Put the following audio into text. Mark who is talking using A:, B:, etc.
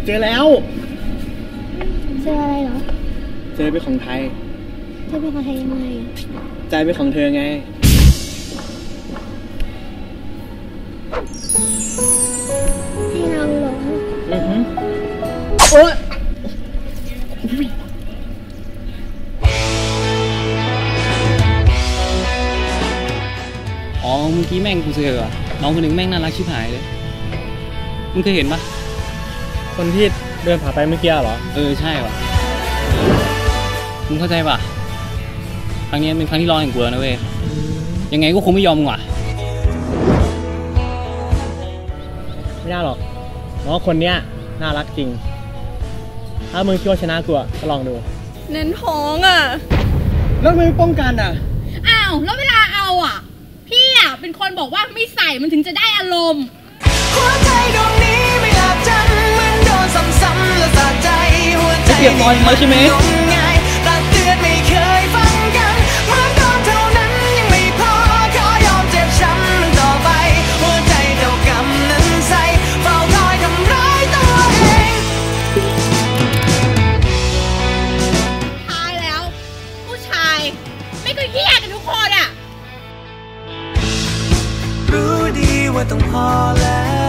A: เจอแล้ว
B: เจออะไรเหรอ
A: เจอเป็นของไทย
B: เจอเป็นของไทยยังไง
A: ใจเป็นของเธอไง
B: ให้เราหลง
A: โอ๊ย
C: อ๋อเมื่อกี้แม่งกูเจอว่ะน้องคนหนึ่งแม่งน่ารักชิบหายเลยมึงเคยเห็นปะ
A: คนที่เดินผ่านไปเมื่อกี้เหรอ
C: ใช่ว่ะมึงเข้าใจปะครั้งนี้เป็นครั้งที่รอแห่งกูแล้วนะเว้ยยังไงก็คงไม่ยอมมึงว่ะ
A: ไม่ได้หรอกเพราะว่าคนเนี้ยน่ารักจริงถ้ามึงคิดว่าชนะกูก็ลองดู
D: เน้นท้องอ่ะ
A: แล้วมึงป้องกัน
D: อ้าวแล้วเวลาเอาพี่เป็นคนบอกว่าไม่ใส่มันถึงจะได้อารมณ์
E: หัวใจดวงนี้ไม่หลับจำเหมือนโดนซ้ำๆและสะใจหัวใจ
A: เปียกบอลมาใช่ไหม
E: ตักเตือนไม่เคยฟังกันเหมือนโดนเท่านั้นยังไม่พอขอยอมเจ็บช้ำมันต่อไปหัวใจเท่ากำนั้นใส่เฝ้าคอยทำร้ายตัวเอง
D: ท้ายแล้วผู้ชายไม่ก็เหี้ยกันทุกคน
E: รู้ดีว่าต้องพอแล้ว